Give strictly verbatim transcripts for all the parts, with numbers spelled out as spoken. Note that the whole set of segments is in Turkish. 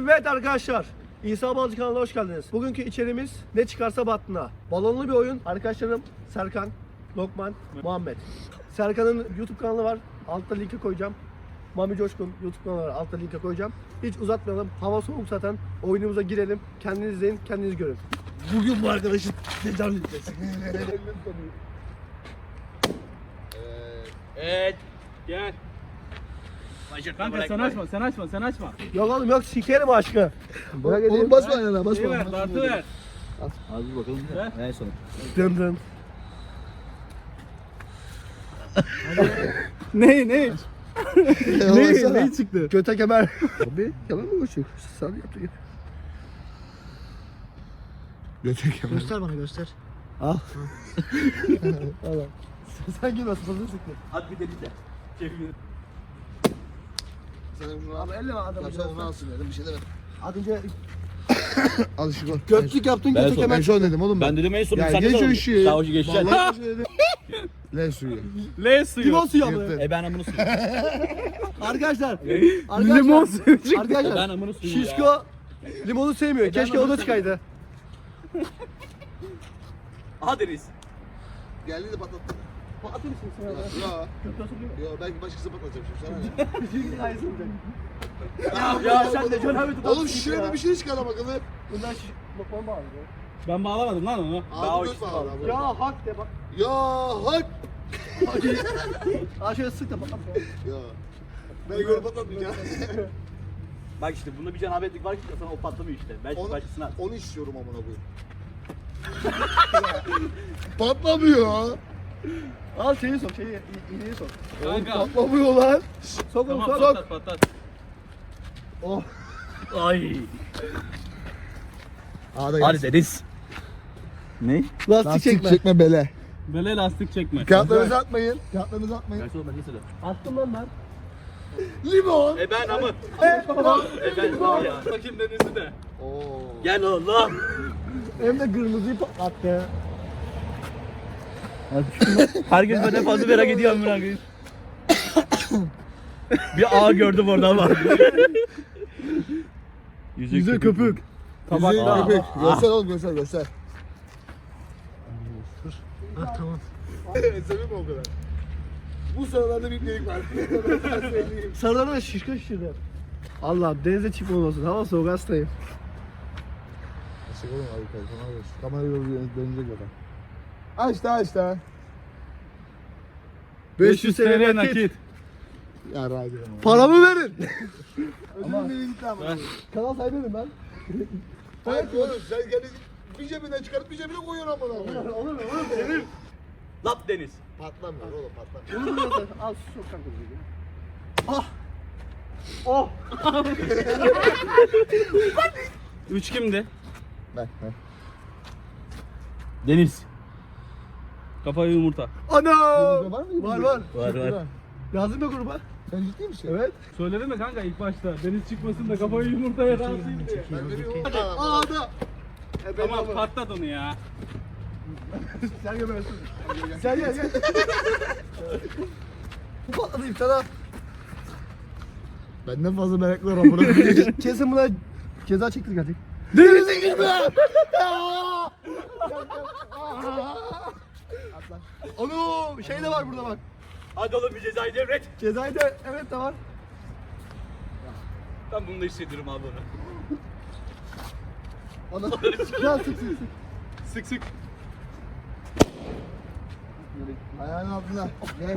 Evet arkadaşlar, İsa Balcı kanalına hoş geldiniz. Bugünkü içeriğimiz ne çıkarsa battına. Balonlu bir oyun. Arkadaşlarım Serkan, Lokman, Muhammed. Serkan'ın YouTube kanalı var. Altta linki koyacağım. Mami Coşkun YouTube kanalı var. Altta linki koyacağım. Hiç uzatmayalım. Hava soğuk zaten. Oyunumuza girelim. Kendiniz izleyin, kendiniz görün. Bugün bu arkadaşın tecavüz edeceğiz. Evet. Gel. Kanka sen açma, sen açma, sen açma. Yok oğlum yok, sikerim aşkı. Bırak edeyim. Oğlum basma ayağına, İyi basma. ver, dartı ver. Az bir bakalım. En son. Dım dım. Ne, ne? ne, ne çıktı? Göte kemer. Abi yalan mı koşuyor? Sen yaptı git. Götür kemer. Göster bana göster. Al. Al. Sen girmesin fazla sıktı. Hadi bir de bir de. Çevir. Sen bunu al. Abi elle bak adamı. Ya sen onu alsın dedim, bir şey demedim. Az önce Al şu gol. götlük yaptın göte son- kemer. Ben son dedim oğlum. Ben dedim en son Ya sen geç de o oğlum. işi. Sağ ucu geçeceksin. Vallahi bir şey dedim. Le suyu. L suyu. Limon suyu Yırtın. aldı. E ben amını suyu. Arkadaşlar. Limon suyu çıktı. E ben Arkadaşlar. amını suyu ya. Şişko limonu sevmiyor. Keşke o da çıkaydı. Aha Deniz. Geldi de patlattı. Patlatır mısın sen orada? Ya. Ya belki başkası patlatacak şimdi sana ne? Ya sen de John Hammond'u Oğlum şuraya bir şey çıkar ama bakalım. Bundan şiş... Lokman bağlı. Ben bağlamadım lan onu. Daha Ağzı uç göz bağlı abi. Ya hak de bak. Ya hak. Aa şöyle sık da patlat ya. Ya. Ben gol patlatmayacağım. Bak işte bunda bir cenabetlik var ki sana o patlamıyor işte. Belki Onu, başkasına at. onu istiyorum amına koyayım. Patlamıyor. Al şeyi sok, şeyi iğneyi sok. Kanka. Patlamıyor lan. Sok onu Tamam sok. patlat patlat. Oh. Ay. Ağda Hadi Deniz. Ne? Lastik, Lastik çekme. çekme bele. Böyle lastik çekme. Kağıtlarınızı atmayın. Kağıtlarınızı atmayın. Ben sorma neyse de. Attım lan ben. Limon. E ben amı. Evet baba. E ben var ya. Bakayım Deniz'i de. Oo. Gel oğlum. Hem de kırmızıyı patlattı. Herkes benden fazla merak ediyor amına koyayım. Bir ağ gördüm orada ama. Yüze köpük. Tabak. Aa. Köpek. Göster oğlum göster göster. Ha tamam. Sevim o kadar. Bu sıralarda bir delik var. Sarılarına da şişko şişirdi. Allah denize çıkma olmasın. Hava soğuk hastayım. Açık oğlum abi telefonu alıyorsun. Kamerayı dönecek adam. Aç da aç da. beş yüz T L nakit. Ya radyo. Paramı verin. Ama beni gitti ama. Kanal sahibinim ben. Hayır oğlum sen kendi bir cebinden çıkarıp bir cebine koyuyorsun amına koyayım. Olur mu? Olur mu? Verir. Lap Deniz. Patlamıyor oğlum patlamıyor. Olur mu? Al su sok kanka. Ah. Oh. Üç kimdi? Ben ben. Deniz. Kafayı yumurta. Ana. Var mı? Var var. Var var. Lazım mı gruba? Sen ciddi misin? Evet. Söyledin mi kanka ilk başta? Deniz çıkmasın da kafayı yumurtaya razıyım diye. Ben veriyorum. Aa da. E, ben Tamam ama- patlat onu ya. Sen gel ben. Sen gel gel. Bu patladı iftara. Benden fazla meraklı var amına koyayım. Kesin buna ceza çektir hadi. Denize girme. Onu şey de var burada bak. Hadi oğlum bir cezayı devret. Cezayı da evet de var. Ben bunu da hissediyorum abi onu. Ana. Gel sık sık sık. Sık sık. Ayağının altına. Gel.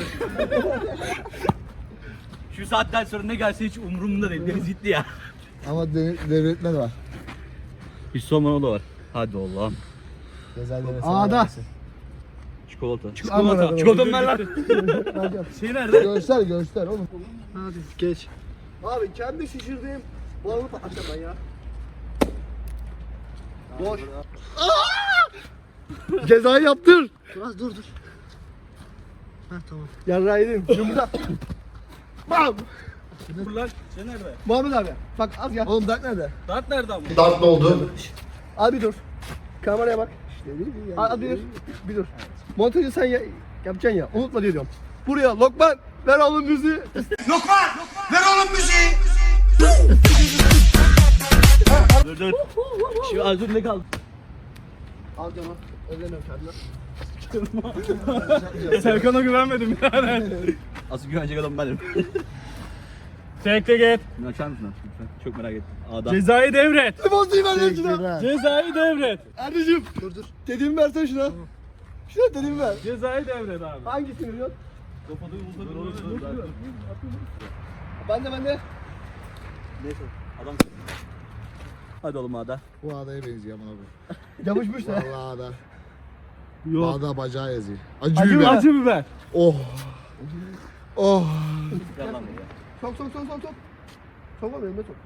Şu saatten sonra ne gelse hiç umurumda değil. Deniz gitti ya. Ama dev- devretme de var. Hiç sorman o da var. Hadi Allah'ım. Ceza devretme. Ağda. Çikolata. Çikolata. Çikolata mı ver lan? Şey nerede? Göster göster oğlum. Hadi geç. Abi kendi şişirdiğim balonu patlatacağım ben ya. Boş. Cezayı yaptır. Biraz dur dur. Heh tamam. Yarrağı yedim. Yumurta. Bam. Dur lan. Şey nerede? Muhammed abi. Bak az gel. Oğlum dert nerede? Dart nerede ama? Dert ne oldu? Abi dur. Kameraya bak. Abi bir dur. Bir dur. Montajı sen ya, yapacaksın ya. Unutma diye diyorum. Buraya Lokman ver oğlum müziği. Lokman! Ver oğlum müziği! dur. Şu az dur ne kaldı? Al canım. Ellemiyorum kendime. Serkan'a güvenmedim yani. Asıl güvenecek adam benim. Tekle git. Bunu açar mısın lütfen? Çok merak ettim. A'dan. Cezayı devret. Emozi'yi ver şuna. Cezayı devret. Erdicim. Dur dur. Dediğimi versene şuna. Şuna dediğimi ver. Cezayı devret abi. Hangisini veriyorsun? Kapadı Dur oğlum dur. dur, dur. Ben de ben de. Neyse adam. Hadi oğlum A'da. Bu adaya benziyor amına koyayım. Yapışmış da. Vallahi ada. Yok. Ada bacağı yazıyor. Acı Acı biber. Acı biber. Oh. Oh. Gel lan buraya. Sok sok sok sok sok. Sokma benim de sok.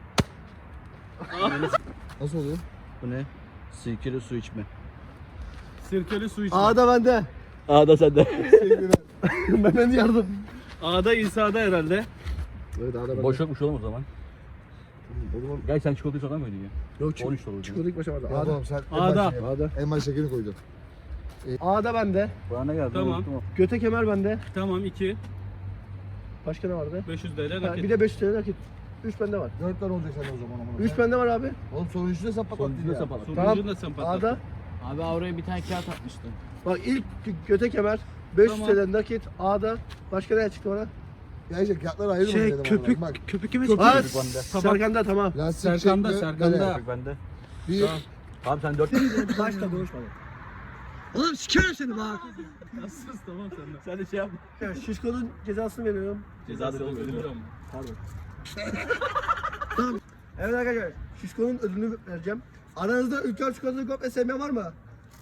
Nasıl oluyor? Bu ne? Sirkeli su içme. Sirkeli su içme. A'da bende. A'da sende. Mehmet yardım. A'da İsa'da herhalde. Evet ada ben. Boş yokmuş oğlum o zaman. O zaman Gel sen çikolatayı sodan koydun ya. Yok on üç dolar. Çikolata ilk başa vardı. ya A'da. oğlum sen en A'da. başa- A'da. en baştakini koydun. A'da bende. Bana ne geldi? Tamam. Unuttum o. Göte kemer bende. Tamam iki. Başka ne vardı? beş yüz TL Ha, nakit. bir de beş yüz lira nakit. üç bende var. Dört tane olacak sende o zaman amına üç koyayım. bende var abi. Oğlum sonuncusu da sen patlattın Sonuncuyu da ya. sen patlat. Tamam. Sonuncunu da sen patlattın. A'da. Abi oraya bir tane kağıt atmıştım. Bak ilk gö- göte kemer. beş yüz Tamam. TL nakit. A'da. Başka ne çıktı bana? Ya işte kağıtları ayrı mı Şey dedim köpük. amına koyayım. Köpük kime Köpük Aa, bende. Serkan'da tamam. Bak, lastik Serkan'da, şekli, Serkan'da. böyle. Köpük bende. Bir. Tamam sen dört. Başta konuşma. Oğlum sikerim seni bak. Sus tamam sen de. Sen de şey yapma. Ya, Şişko'nun cezasını veriyorum. Cezası olmuyor. Ödülüyorum. Pardon. Evet arkadaşlar. Şişko'nun ödülünü vereceğim. Aranızda Ülker çikolatalı komple sevmeyen var mı?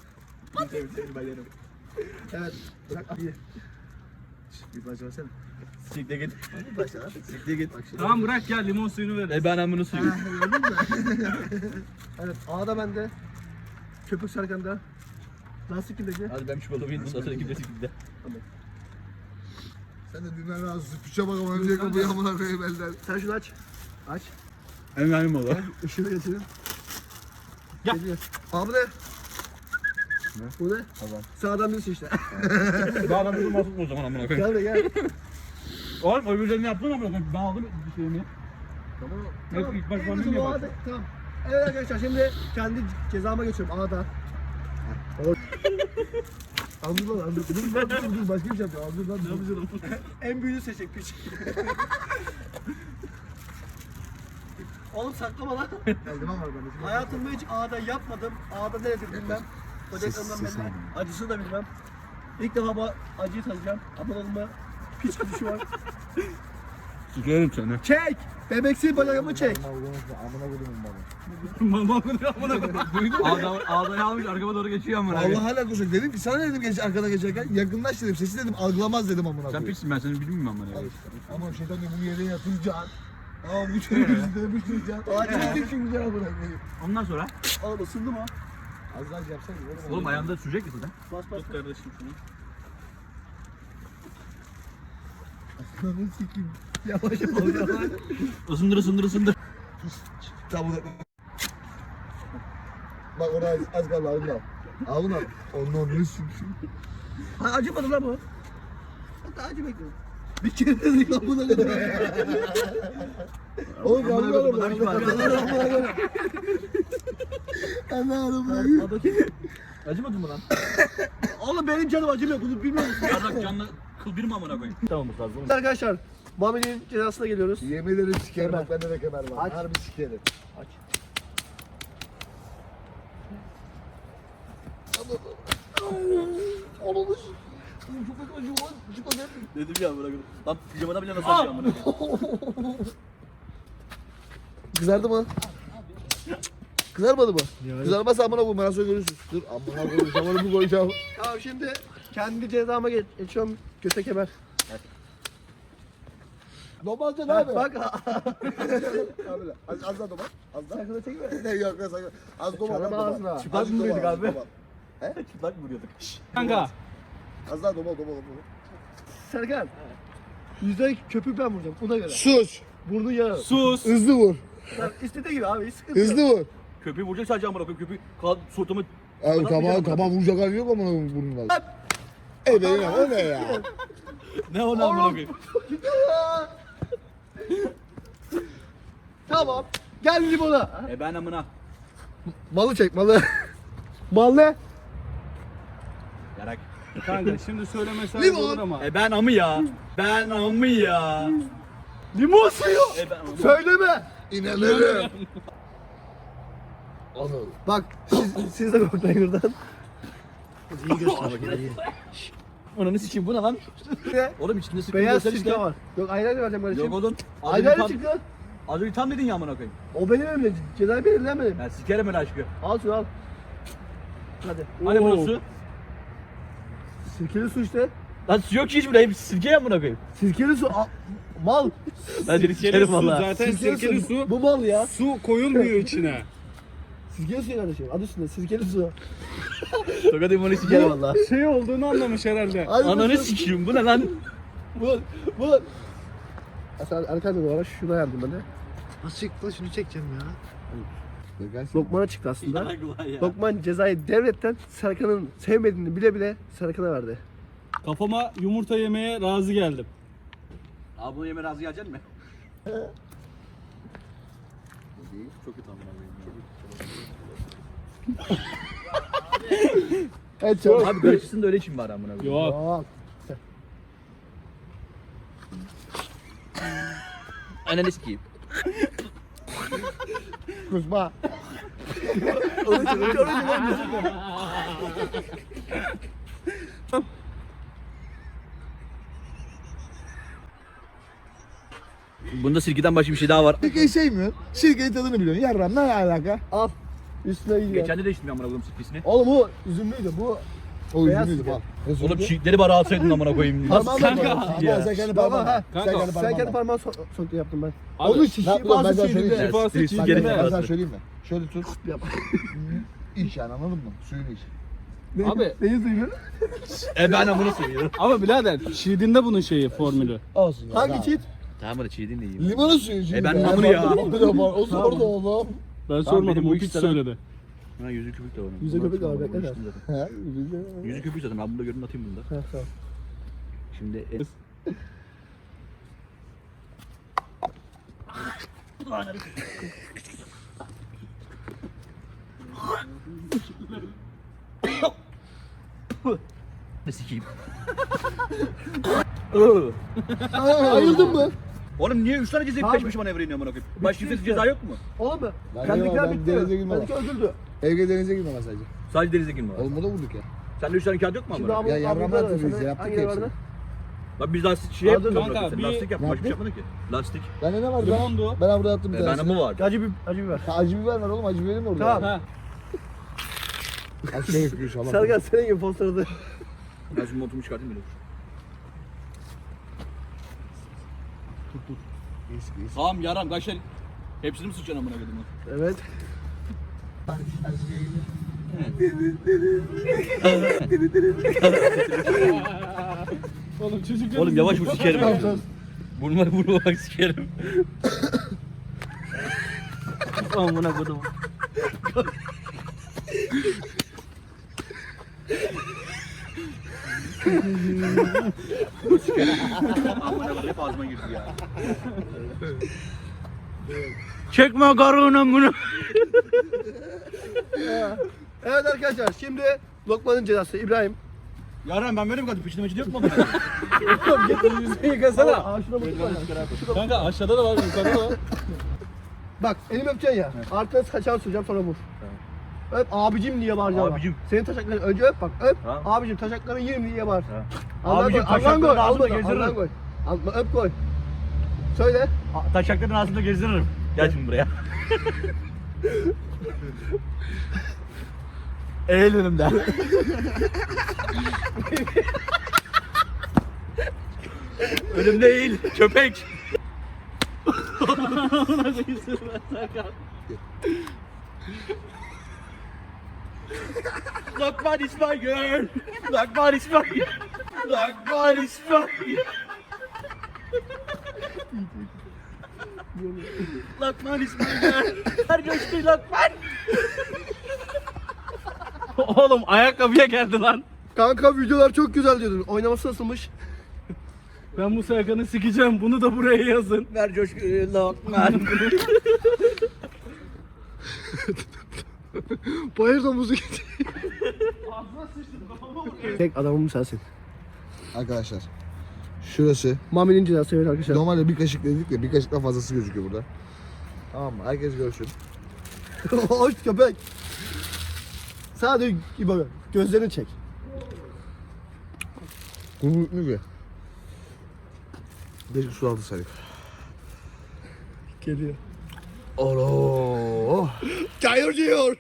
Evet. Bırak iyi. Bir başa versene. Sikle git. Bir başa ver. Sikle git. Tamam bırak gel limon suyunu ver. E ben amını suyu. Gördün mü? Evet. A'da bende. Köpük Serkan'da. Lastik kimdeki? Hadi ben çikolata yedim. Sonra ikide sikle. Sen de dünden razı süpüçe bak ama önce kapıyı amına koyayım elden. Sen şunu aç. Aç. Hemen benim oldu. Işığı getirin. Gel. Geliyor. Abi ne? Ne? Bu ne? Tamam. Sağdan birisi işte. Daha da bizim olsun o zaman amına koyayım. Gel de gel. Oğlum öbürlerini yaptın amına koyayım. Ben aldım bir şeyimi. Tamam. Hep Tamam. ilk baş En bana uzun niye o bak? A'da- Tamam. Evet arkadaşlar şimdi kendi cezama geçiyorum A'da. Anladın lan anladın. Dur dur dur dur başka bir şey yapıyor. Anladın lan. Ne yapacağım? En büyüğünü seçecek piç. Oğlum saklama lan. Eldiven var bende. Hayatımda hiç A'da yapmadım. A'da nedir bilmem. Bacaklarımdan belli. Acısını da bilmem. İlk defa bu acıyı tadacağım. Aman olma. Piç kuşu var. Sikerim seni. Çek! Bebeksi bacağımı çek. Amına koydum bana. Mama kırıyor amına koyayım. Ağda, ağdayı almış arkama doğru geçiyor amına koyayım. Allah hala kusur dedim ki sana dedim geç arkada geçerken yakınlaş dedim sesi dedim algılamaz dedim amına Sen koyayım. piçsin ben seni bilmiyorum amına Al koyayım. işte. Ama şeytan diyor bunu yere yatıracaksın. Ama bu çocuğu yüzüne düşüreceksin. Acil çünkü amına koyayım. Ondan sonra Oğlum ısındı mı? Az daha yapsana oğlum. oğlum ayağında sürecek misin sen? Bas bas. Tut kardeşim şunu. Ananı sikeyim. Yavaş yavaş yavaş. Isındır ısındır ısındır. Tamam. Bak orada az, az kaldı ağzını al. Ağzını al. Ondan ne sikeyim. Ha, acımadı lan bu. Hatta acı bekliyorum. Bir kere dedik lan buna kadar. Oğlum Amına yanıyor koydum, oğlum. acıma. Anam. Acımadın mı lan? Oğlum benim canım acımıyor. Bunu bilmiyor musun? Yarrak canlı kıl bir mi amına koyayım? Tamam lazım. Arkadaşlar Muhammed'in cezasına geliyoruz. Yemin ederim sikerim Kemer. bak bende de kemer var. Aç. Harbi sikerim. Aç. Ananı sikeyim. Oğlum çok acıyor lan. Çık o derim. Dedim ya amına koyayım. Lan pijamada bile nasıl açıyor amına koyayım? Kızardı mı? Kızarmadı mı? Kızarmazsa amına koyayım. Bana sonra görürsün. Dur amına koyayım. Şamanı bu koyacağım. Tamam şimdi kendi cezama geç- geçiyorum. Göte kemer. Domalca ne Ha, abi? bak. Abi lan. Az, az daha domal. Az daha. Sakın çekme. Ne yok yok sakın. Az domal. Çalama az domal. ağzına. Çıplak Azıcık mı domal, mıydık az abi? domal. Çıplak mı vuruyorduk? Kanka. Az daha domal domal domal. Serkan. Yüzde köpüğü ben vuracağım. Buna göre. Sus. Burnu yağı. Sus. Hızlı vur. Sen istediği gibi abi. Hiç sıkıntı yok. Hızlı vur. Köpeği vuracak sadece amına koyayım. Köpeği kal sırtımı Abi tamam Bırakmayacağım tamam vuracak hali yok ama burnundan. Ey benim ya, o ne ya? ne ona amına koyayım? Tamam. Gel limona. E ben amına. Malı çek malı. Bal ne? Yarak. Kanka şimdi söylemesen Limon. olur ama. E ben amı ya. Ben amı ya. Limon suyu. E ben amı. Söyleme. İnanırım. Anıl. Bak siz, siz de koklayın buradan. Ananı sikeyim bu ne lan? Ne? Oğlum içinde sıkıntı Beyaz göster sirke işte. var. Yok ayran vereceğim kardeşim. Yok oğlum. Az önce Ayran tam, çıktı. az önce tam dedin ya amına koyayım. O benim elimde. Cezayı belirlemedim. Ben sikerim öyle aşkı. Al şunu al. Hadi. Hani Oo. burası? Sirkeli su işte. Lan su yok ki hiç burada. Hep sirke ya amına koyayım. Sirkeli su. Al. Mal. Ben seni Sirkeli sikerim su valla. zaten sirkeli su. Bu mal ya. Su koyulmuyor içine. Sirkeli su kardeşim. Adı üstünde sirkeli su. Tokat imonu sikerim valla. Şey olduğunu anlamış herhalde. Hadi Ananı bakalım. sikeyim bu ne lan? Bu. Bu. Sen arkadaşlar bu ara şuna yardım ben de. Nasıl çıktı şunu çekeceğim ya. Lokman'a çıktı aslında. Yarak ulan ya. Lokman cezayı devletten Serkan'ın sevmediğini bile bile Serkan'a verdi. Kafama yumurta yemeye razı geldim. Abi bunu yeme razı geleceksin mi? Çok kötü amına koyayım. Evet çok. Abi böyle çıksın da öyle için bari amına koyayım. Yok. Aa, Ananı sikeyim. kusma. Orası orası orası. Bunda sirkeden başka bir şey daha var. Sirkeyi sevmiyorsun. Sirkenin tadını biliyorsun. Yarram ne alaka? Al. Üstüne giy. Geçen de değiştim amına koyayım sirkesini. Oğlum bu üzümlüydü bu. O Beyaz yüzünüydü sirke. bak. Oğlum çiğitleri bari alsaydın amına koyayım. Parmağımla Kanka. yapalım. Ya. Ama sen kendi Baba, parmağınla. ha. Kanka, Sen kendi Sen kendi parmağınla. parmağını so soktu yaptım ben. Abi, Onun için ne yapıyorum ben bazı sana şeyleri söyleyeyim. Şifası Sirke çiğdem gerek de. yok. Ben sana söyleyeyim mi? Şöyle tut. yap. İç yani anladın mı? Suyunu iç. Abi. Neyi duyuyor? E ben amını seviyorum. Ama birader çiğdinde bunun şeyi formülü. Olsun ya. Hangi tamam. çiğit? Tamam hadi çiğdin de yiyeyim. Limonun suyu şimdi. E ben Ya, namını ya. bak, bak, bak, O sordu oğlum. Ben benim sormadım bu o iki piç tane- söyledi. Ha yüzü köpük de var. Yüzü köpük de var, bekle de. He, güzel. Yüzü köpük zaten ben bunu da görün atayım bunu da. Ha, tamam. Şimdi e- Ne sikeyim? Ayıldın mı? Oğlum niye üç tane ceza Abi. peş peşe manevra iniyor amına koyayım? Başka Bitti bir işte. ceza yok mu? Oğlum mu? Ben Bendekiler girmem, ben denize bitti. girmem. Bendekiler öldürdü. Evde denize girme ben sadece. Sadece denize girme var. Oğlum burada vurduk ya. Sende üç tane kağıt yok mu Şimdi amına? abi, Ya abi, yarrama abi, attık biz, sana yaptık hangileri hepsini. vardı? Bak biz lastik şey Abi, yaptık. kanka, Sen bir- lastik yaptık. Başka bir şey Yaptık. yapmadın ki. Lastik. Bende ne var lan? Limondu. Ben burada attım bir E bende tanesini. mi vardı? Acı bir acı biber. Ha, acı biber var oğlum acı biberim mi orada? Tamam. Ha. Aşağı yapıyor inşallah. Serkan senin gibi posterde. Ben şu montumu çıkartayım bile. İyisi, iyisi. Tamam yaram kaç tane? Hepsini mi sıçacaksın amına koydum? Evet. Oğlum çocuk Oğlum yavaş vur sikerim. Vurma vurma bak sikerim. Amına koydum. Amına koydum hep ağzıma girdi ya. Çekme karını bunu. Evet arkadaşlar şimdi Lokman'ın cezası İbrahim. Yaram ben böyle mi kaldım? Piçin yok mu? yüzünü yıkasana. Aa şuna bakın. Kanka aşağıda da var yukarıda da var. Bak elimi öpeceksin ya. Arkadan kaçar süreceğim sonra vur. Öp abicim diye bağıracaksın. Abicim. Bak. Senin taşakların önce öp bak öp. Ha. Abicim taşaklarını yerim diye bağır. Ha. Allah'ın Abicim, koy, Allah'ın taşaklarını koy, ağzımda Allah'ın gezdiririm. Allah'ın koy. Al- Öp koy. Söyle. Taşakların ağzında gezdiririm. Gel şimdi buraya. Eğil önümden. Önümde eğil köpek. Lokman is my girl. Lokman is my girl. Lokman is my girl. Lokman is my girl. Her göçtü Lokman. Oğlum ayakkabıya geldi lan. Kanka videolar çok güzel diyordun. Oynaması nasılmış? Ben bu Serkan'ı sikeceğim. Bunu da buraya yazın. Ver coşkuyu Lokman. Bayır domuzu gitti. Tek adamım sensin. Arkadaşlar. Şurası. Mami'nin cezası evet arkadaşlar. Normalde bir kaşık dedik de bir kaşıktan fazlası gözüküyor burada. Tamam mı? Herkes görsün. Hoş köpek. Sadece İbo gözlerini çek. Kumruklu bir. Keşke su altı sayık. Geliyor. Alo. Çayır diyor.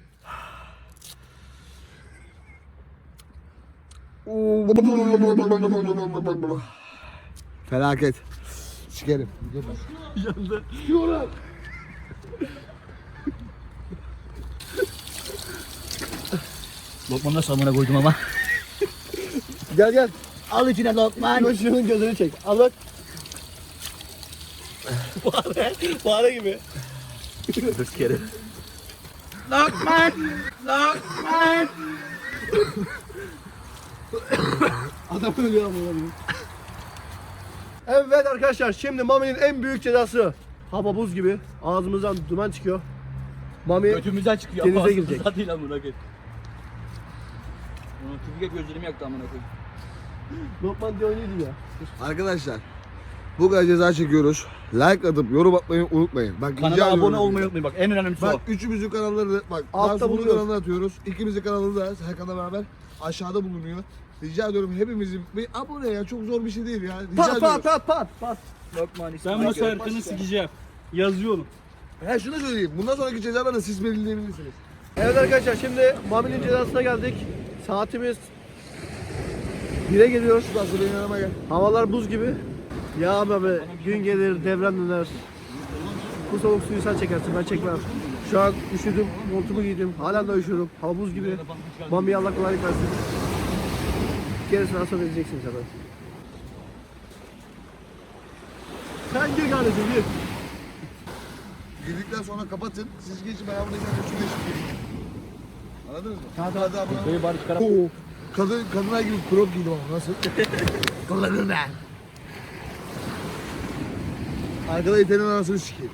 Felaket. Sikerim. Yandı. Lokmanı nasıl amına koydum ama. Gel gel. Al içine Lokman. İbo şunun gözünü çek. Al bak. Fare. Fare gibi. Sikerim. Lokman. Lokman. Adam ölüyor ama. Evet arkadaşlar şimdi Mami'nin en büyük cezası. Hava buz gibi. Ağzımızdan duman çıkıyor. Mami Götümüzden çıkıyor. Denize Ağzımıza girecek. değil amına koyayım. Onun tüpüge gözlerimi yaktı amına koyayım. Lokman diye oynuyordu ya. Arkadaşlar. Bu kadar ceza çekiyoruz. Like atıp yorum atmayı unutmayın. Bak rica Kanala ediyorum. abone olmayı unutmayın bak en önemlisi Bak o. üçümüzün kanalları da bak Altta Altta bunun bulunuyor. kanalına atıyoruz. İkimizin kanalı da Serkan'la beraber aşağıda bulunuyor. Rica ediyorum hepimizin bir abone ya çok zor bir şey değil ya. Rica Pat ediyorum. pat pat pat pat. Lokman Ben bu Serkan'ı sikeceğim. Yazıyorum. He şunu söyleyeyim. Bundan sonraki cezaları da siz belirleyebilirsiniz. Evet arkadaşlar şimdi Mami'nin cezasına geldik. Saatimiz bire geliyor. Şu da benim yanıma gel. Havalar buz gibi. Ya abi gün gelir devran döner. Bu soğuk suyu sen çekersin ben çekmem. Şu an üşüdüm, montumu giydim. Halen de üşüyorum. Hava buz gibi. Mami'ye Allah kolaylık versin. Gerisini sonra edeceksin zaten. Sen gir kardeşim gir. Girdikten sonra kapatın. Siz geçin ben buradayken üçü geçin gireyim. Anladınız mı? Hadi hadi abone. Böyle bari çıkarak. Oo. Kadın, kadınlar gibi crop giydim ama nasıl? Kullanın ben. Arkada itenin anasını sikeyim.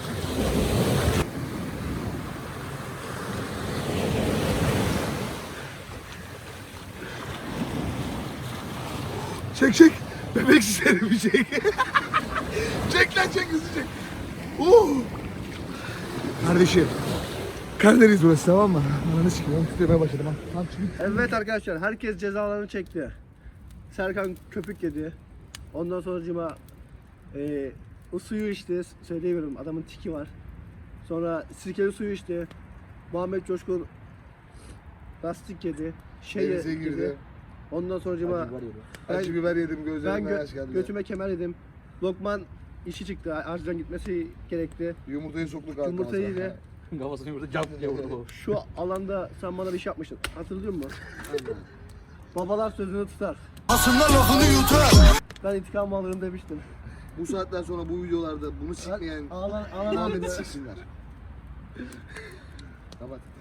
Çek çek. Bebek sisleri bir çek. Çek lan çek hızlı çek. Oo. Kardeşim. Karadeniz burası tamam mı? Ananı sikeyim. Ben tutuyormaya başladım ha. Tamam çıkın. Evet arkadaşlar herkes cezalarını çekti. Serkan köpük yedi. Ondan sonra e, o suyu içti. Söyleyemiyorum adamın tiki var. Sonra sirkeli suyu içti. Muhammed Coşkun lastik yedi. Şey Denize yedi. girdi. Ondan sonra ben, Acı biber yedim ben gözlerimden gö- yaş geldi. götüme kemer yedim. Lokman işi çıktı. Acilen gitmesi gerekti. Yumurtayı soktuk ağzına. Yumurtayı yedi. Kafasını yumurta cap diye vurdu. Şu alanda sen bana bir şey yapmıştın. Hatırlıyor musun? Babalar sözünü tutar. Aslında lafını yutar. Ben intikam alırım demiştim. Bu saatten sonra bu videolarda bunu sikmeyen Ağlan, ağlan Muhammed'i siksinler. Kapat.